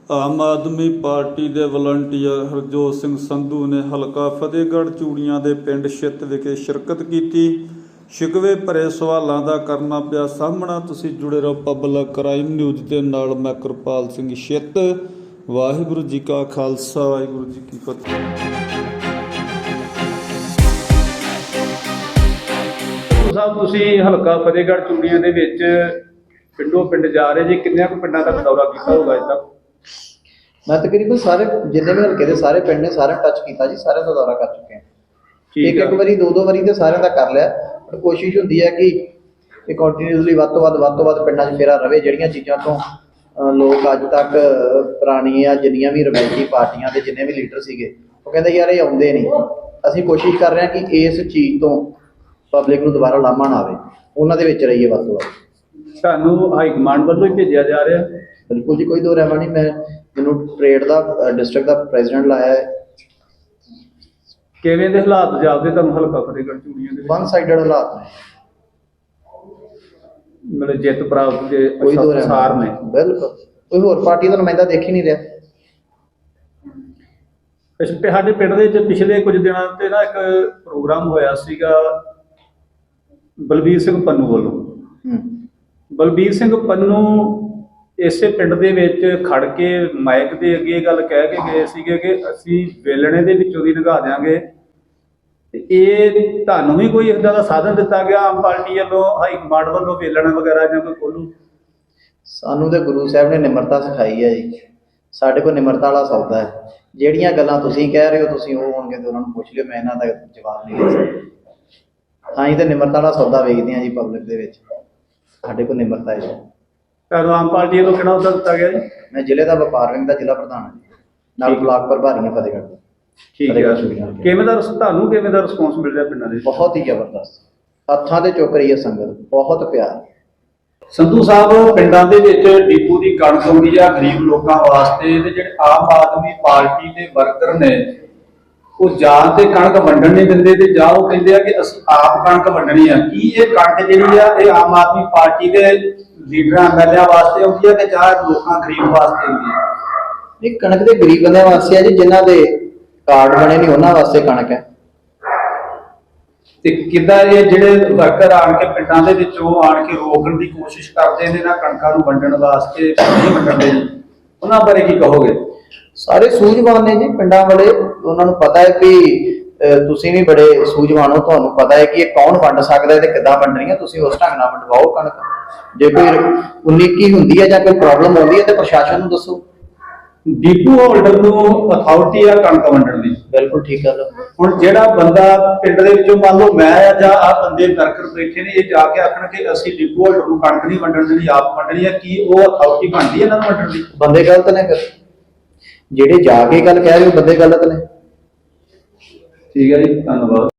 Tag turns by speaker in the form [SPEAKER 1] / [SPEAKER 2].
[SPEAKER 1] ਆਮ ਆਦਮੀ ਪਾਰਟੀ ਦੇ ਵਲੰਟੀਅਰ ਹਰਜੋਤ ਸਿੰਘ ਸੰਧੂ ਨੇ ਹਲਕਾ ਫਤਿਹਗੜ੍ਹ ਚੂੜੀਆਂ ਦੇ ਪਿੰਡ ਛਿੱਤ ਵਿਖੇ ਸ਼ਿਰਕਤ ਕੀਤੀ। ਸ਼ਿਕਵੇ ਭਰੇ ਸਵਾਲਾਂ ਦਾ ਕਰਨਾ ਪਿਆ ਸਾਹਮਣਾ। ਤੁਸੀਂ ਜੁੜੇ ਰਹੋ ਪਬਲਿਕ ਕ੍ਰਾਈਮ ਨਿਊਜ਼ ਦੇ ਨਾਲ। ਮੈਂ ਕਿਰਪਾਲ ਸਿੰਘ ਛਿੱਤ। ਵਾਹਿਗੁਰੂ ਜੀ ਕਾ ਖਾਲਸਾ, ਵਾਹਿਗੁਰੂ ਜੀ ਕੀ ਫਤਿਹ।
[SPEAKER 2] ਸਾਹਿਬ, ਤੁਸੀਂ ਹਲਕਾ ਫਤਿਹਗੜ੍ਹ ਚੂੜੀਆਂ ਦੇ ਵਿੱਚ ਪਿੰਡੋਂ ਪਿੰਡ ਜਾ ਰਹੇ ਜੀ, ਕਿੰਨਿਆਂ ਕੁ ਪਿੰਡਾਂ ਤੱਕ ਦੌਰਾ ਕੀਤਾ ਹੋਊਗਾ ਅਜੇ ਤੱਕ?
[SPEAKER 3] मैं तकरीबन सारे जिन्ने भी हल्के दे सारे पिंड ने सारे टच किया जी, सारे का दौरा कर चुके हैं। एक बारी दो बारी तो सारे का कर लिया, पर कोशिश होती है कि कंटीन्यूसली वध तो वध पिंडों च फेरा रहे। जिहड़ियां चीज़ों तो लोग अज तक पुरानियां जिन्नियां भी रवायती पार्टियां के जिन्ने भी लीडर सीगे वो कहते यार ये आउंदे नहीं। असीं कोशिश कर रहे हैं कि इस चीज़ तो पब्लिक नूं दोबारा लामा ना आवे, उन्हां दे विच रहीए वध तो वध।
[SPEAKER 2] ਤੁਹਾਨੂੰ ਹਾਈ ਕਮਾਂਡ ਵੱਲੋਂ ਹੀ ਭੇਜਿਆ ਜਾ ਰਿਹਾ?
[SPEAKER 3] बिल्कुल जी, कोई दो रहमा नहीं। मैं मैनू ट्रेड का डिस्ट्रिक्ट का प्रेजिडेंट लाया है।
[SPEAKER 2] ਕਿਵੇਂ ਦੇ ਹਾਲਾਤ ਜਾਪਦੇ ਤੁਹਾਨੂੰ ਹਲਕਾ ਫਤਿਹਗੜ੍ਹ ਚੂੜੀਆਂ ਦੇ?
[SPEAKER 3] वन साइडेड हालात ने,
[SPEAKER 2] ਮਤਲਬ ਜਿੱਤ ਪ੍ਰਾਪਤ ਦੇ
[SPEAKER 3] कोई दो
[SPEAKER 2] ਅਸਾਰ
[SPEAKER 3] रहमा
[SPEAKER 2] ਨੇ।
[SPEAKER 3] बिल्कुल कोई होर पार्टी का नुमाइंदा देख ही नहीं रहा।
[SPEAKER 2] ਸਾਡੇ ਪਿੰਡ ਦੇ ਵਿੱਚ ਪਿਛਲੇ ਕੁਝ ਦਿਨਾਂ ਤੇ ਨਾ ਇੱਕ ਪ੍ਰੋਗਰਾਮ ਹੋਇਆ ਸੀਗਾ ਬਲਬੀਰ ਸਿੰਘ ਪੰਨੂ ਵੱਲੋਂ। ਬਲਬੀਰ ਸਿੰਘ ਪੰਨੂ ਇਸੇ ਪਿੰਡ ਦੇ ਵਿੱਚ ਖੜ ਕੇ ਮਾਈਕ ਦੇ ਅੱਗੇ ਗੱਲ ਕਹਿ ਕੇ ਗਏ ਸੀਗੇ ਕਿ ਅਸੀਂ ਵੇਲਣੇ ਦੇ ਵਿੱਚੋਂ ਦੀ ਲੰਘਾ ਦਿਆਂਗੇ। ਤੇ ਇਹ ਤੁਹਾਨੂੰ ਵੀ ਕੋਈ ਇਦਾਂ ਦਾ ਸਾਧਨ ਦਿੱਤਾ ਗਿਆ ਆਮ ਪਾਰਟੀ ਵੱਲੋਂ, ਹਾਈ ਕਮਾਂਡ ਵੱਲੋਂ, ਵੇਲਣ ਵਗੈਰਾ ਜਾਂ ਕੋਈ ਖੋਲੂ?
[SPEAKER 3] सानू तो गुरु साहब ने निमरता सिखाई है जी। साढ़े को निमरता वाला सौदा है। ਜਿਹੜੀਆਂ ਗੱਲਾਂ ਤੁਸੀਂ ਕਹਿ ਰਹੇ ਹੋ ਤੁਸੀਂ ਉਹ ਹੋਣਗੇ ਤੇ ਉਹਨਾਂ ਨੂੰ ਪੁੱਛ ਲਿਓ, ਮੈਂ ਇਹਨਾਂ ਦਾ ਜਵਾਬ ਨਹੀਂ ਦੇ ਸਕਦਾ। ਹਾਂ, ਇਹ ਤਾਂ ਨਿਮਰਤਾ ਵਾਲਾ ਸੌਦਾ ਵੇਚਦੇ ਆ ਜੀ ਪਬਲਿਕ ਦੇ ਵਿੱਚ। ਸਾਡੇ ਕੋਲ ਨਿਮਰਤਾ ਹੈ ਜੀ।
[SPEAKER 2] ਤੁਹਾਨੂੰ ਆਮ ਪਾਰਟੀ ਵੱਲੋਂ ਕਿਹੜਾ ਅਹੁਦਾ ਦਿੱਤਾ ਗਿਆ ਜੀ?
[SPEAKER 3] ਮੈਂ ਜ਼ਿਲ੍ਹੇ ਦਾ ਵਪਾਰ ਵਿੰਗ ਦਾ ਜ਼ਿਲ੍ਹਾ ਪ੍ਰਧਾਨ ਹਾਂ ਜੀ, ਨਾਲ ਬਲਾਕ ਪ੍ਰਭਾਰੀ ਹਾਂ ਫਤਿਹਗੜ੍ਹ ਦਾ।
[SPEAKER 2] ਠੀਕ ਹੈ। ਕਿਵੇਂ ਦਾ ਤੁਹਾਨੂੰ ਕਿਵੇਂ ਦਾ ਰਿਸਪੌਂਸ ਮਿਲ ਰਿਹਾ ਪਿੰਡਾਂ ਦੇ?
[SPEAKER 3] ਬਹੁਤ ਹੀ ਜ਼ਬਰਦਸਤ, ਹੱਥਾਂ ਤੇ ਚੁੱਕ ਰਹੀ ਹੈ ਸੰਗਤ, ਬਹੁਤ ਪਿਆਰ।
[SPEAKER 2] ਸੰਧੂ ਸਾਹਿਬ, ਪਿੰਡਾਂ ਦੇ ਵਿੱਚ ਡਿਪੂ ਦੀ ਕਣਕ ਆਉਂਦੀ ਆ ਗਰੀਬ ਲੋਕਾਂ ਵਾਸਤੇ, ਤੇ ਜਿਹੜੇ ਆਮ ਆਦਮੀ ਪਾਰਟੀ ਦੇ ਵਰਕਰ ਨੇ ਉਹ ਜਾਂ ਤੇ ਕਣਕ ਵੰਡਣ ਨਹੀਂ ਦਿੰਦੇ ਤੇ ਜਾਂ ਉਹ ਕਹਿੰਦੇ ਆ ਕਿ ਅਸੀਂ ਆਪ ਕਣਕ ਵੰਡਣੀ ਆ। ਕੀ ਇਹ ਕਣਕ ਜਿਹੜੀ ਆ ਇਹ ਆਮ ਆਦਮੀ ਪਾਰਟੀ ਦੇ ਲੀਡਰਾਂ ਐਮਐਲਏ ਵਾਸਤੇ ਆਉਂਦੀ ਆ ਕਿ ਜਾਂ ਲੋਕਾਂ ਗਰੀਬ ਵਾਸਤੇ ਆਉਂਦੀ ਆ?
[SPEAKER 3] ਇਹ ਕਣਕ ਦੇ ਗਰੀਬ ਬੰਦਿਆਂ ਵਾਸਤੇ ਆ ਜੀ, ਜਿਨ੍ਹਾਂ ਦੇ ਕਾਰਡ ਬਣੇ ਨਹੀਂ ਉਹਨਾਂ ਵਾਸਤੇ ਕਣਕ ਹੈ। ਤੇ
[SPEAKER 2] ਕਿੱਦਾਂ ਇਹ ਜਿਹੜੇ ਵਰਕਰ ਆਣ ਕੇ ਪਿੰਡਾਂ ਦੇ ਵਿੱਚੋਂ ਆਣ ਕੇ ਰੋਕਣ ਦੀ ਕੋਸ਼ਿਸ਼ ਕਰਦੇ ਨੇ ਨਾ ਕਣਕਾਂ ਨੂੰ ਵੰਡਣ ਵਾਸਤੇ, ਨਹੀਂ ਵੰਡਣ ਦੇ, ਉਹਨਾਂ ਬਾਰੇ ਕੀ ਕਹੋਗੇ?
[SPEAKER 3] ਸਾਰੇ ਸੂਝਵਾਨ ਨੇ ਜੀ ਪਿੰਡਾਂ ਵਾਲੇ। ਉਹਨਾਂ ਨੂੰ ਪਤਾ ਹੈ ਕਿ ਤੁਸੀਂ ਵੀ ਬੜੇ ਸੂਝਵਾਨ ਹੋ, ਤੁਹਾਨੂੰ ਪਤਾ ਹੈ ਕਿ ਇਹ ਕੌਣ ਵੰਡ ਸਕਦਾ ਹੈ ਤੇ ਕਿੱਦਾਂ ਵੰਡਣੀ ਹੈ। ਤੁਸੀਂ ਉਸ ਢੰਗ ਨਾਲ ਵੰਡਵਾਓ ਕਣਕ। ਜੇ ਕੋਈ 19 ਹੁੰਦੀ ਹੈ ਜਾਂ ਕੋਈ ਪ੍ਰੋਬਲਮ ਆਉਂਦੀ ਹੈ ਤੇ ਪ੍ਰਸ਼ਾਸਨ ਨੂੰ ਦੱਸੋ।
[SPEAKER 2] ਡਿਪੂ ਹੋਲਡਰ ਨੂੰ ਅਥਾਰਟੀ ਆ ਕਣਕ ਵੰਡਣ ਦੀ।
[SPEAKER 3] ਬਿਲਕੁਲ ਠੀਕ ਗੱਲ।
[SPEAKER 2] ਹੁਣ ਜਿਹੜਾ ਬੰਦਾ ਪਿੰਡ ਦੇ ਵਿੱਚੋਂ ਮੰਨ ਲਓ ਮੈਂ ਆ ਜਾਂ ਆ ਬੰਦੇ ਵਰਕਰ ਬੈਠੇ ਨੇ, ਇਹ ਜਾ ਕੇ ਆਖਣ ਕਿ ਅਸੀਂ ਡਿਪੂ ਹੋਲਡਰ ਨੂੰ ਕਣਕ ਨਹੀਂ ਵੰਡਣ ਦੇਣੀ, ਆਪ ਵੰਡਣੀ ਆ, ਕੀ ਉਹ ਅਥਾਰਟੀ ਬਣਦੀ ਇਹਨਾਂ ਨੂੰ ਵੰਡਣ ਦੀ?
[SPEAKER 3] ਬੰਦੇ ਗਲਤ ਨੇ ਫਿਰ, ਜਿਹੜੇ ਜਾ ਕੇ ਗੱਲ ਕਹਿ ਰਹੇ ਹੋ ਬੰਦੇ ਗਲਤ ਨੇ।
[SPEAKER 2] ਠੀਕ ਹੈ ਜੀ, ਧੰਨਵਾਦ।